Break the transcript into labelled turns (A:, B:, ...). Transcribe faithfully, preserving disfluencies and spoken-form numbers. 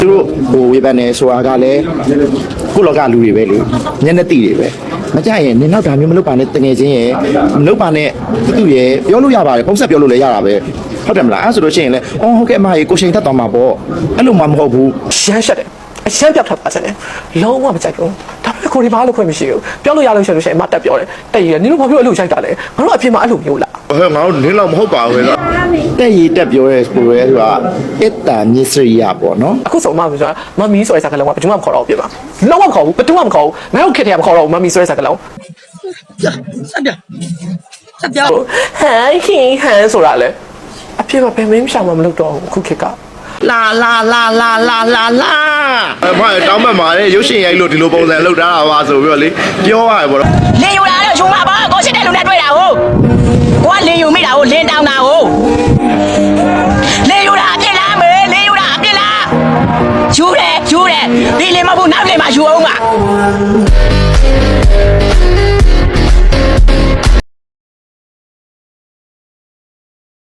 A: သူတို့ဟိုဝေဖန်နေဆိုတာကလည်းကိုလောကလူတွေပဲလေညနေတိတွေပဲမကြရင်နင်နောက်ဒါမျိုးမလုပ်ပါနဲ့တငယ်ချင်းရဲ့မလုပ်ပါနဲ့သူသူရဲ့ပြောလို့ရပါတယ်ပုံဆက်ပြောလို့လည်းရတာပဲဟုတ်တယ်မလားအဲ့ဆိုလို့ရှိရင်လည်းအော်ဟုတ်ကဲ့အမကြီးကိုချိန်သက်သွားမှာပေါ့အဲ့လိုမှမဟုတ်ဘူး
B: ရှမ်းရှက်တယ်အရှမ်းပြောက်ထပ်ပါစတယ်လုံးဝမကြိုက်ဘူးဒါပေမဲ့ကိုဒီဘာလို့ခွင့်မရှိဘူးပြောလို့ရလို့ရှိလို့ရှိရင်အမတက်ပြောတယ်တက်ရည်နင်တို့ဘာဖြစ်လို့အဲ့လိုရိုက်တာလဲငါတို့အပြင်မှာအဲ့လိုမျိုးလား
A: ဟဲ့ငါတို့နင်းတော့မဟုတ်ပါဘူးလေတက်ရည်တက်ပြောရဲဆိုရဲဆိုတာအတ္တမြစ္စရိယပေါ့နော်
B: အခုဆိုမှဆိုတာမမီဆိုတဲ့စကားလုံးကဘယ်သူမှမခေါ်တော့ဘူးပြပါလုံးဝမခေါ်ဘူးဘယ်သူမှမခေါ်ဘူးငါတို့ခက်တယ်မခေါ်တော့ဘူးမမီဆိုတဲ့စကားလုံးဆက်ပြဆက်ပြဟန်ဟင်းဟန်ဆိုတာလေအပြင်မှာဘယ်မင်းရှောင်မှမလုပ်တော့ဘူးအခုခက်ကလာလာလာလာလာလာလာ
A: အမတောင်းမှတ်ပါလေရုပ်ရှင်ရိုက်လို့ဒီလိုပုံစံလုပ်ထားတာပါဆိုပြီးတော့လေပြောရတယ်ပေါ့နော်
C: လင်ယူလာတော့ယူမှာပါကိုရှိတဲ့လူနဲ့တွေ့တာဟုတ်ကိုကလင်ယူမိတာဟုတ်လင်တောင်းတာဟုတ်လင်ယူတာအပြစ်လားမေလင်ယူတာအပြစ်လားယူတယ်ယူတယ်ဒီလင်မဟုတ်ဘူးနောက်လင်မှာယူအောင်ပါ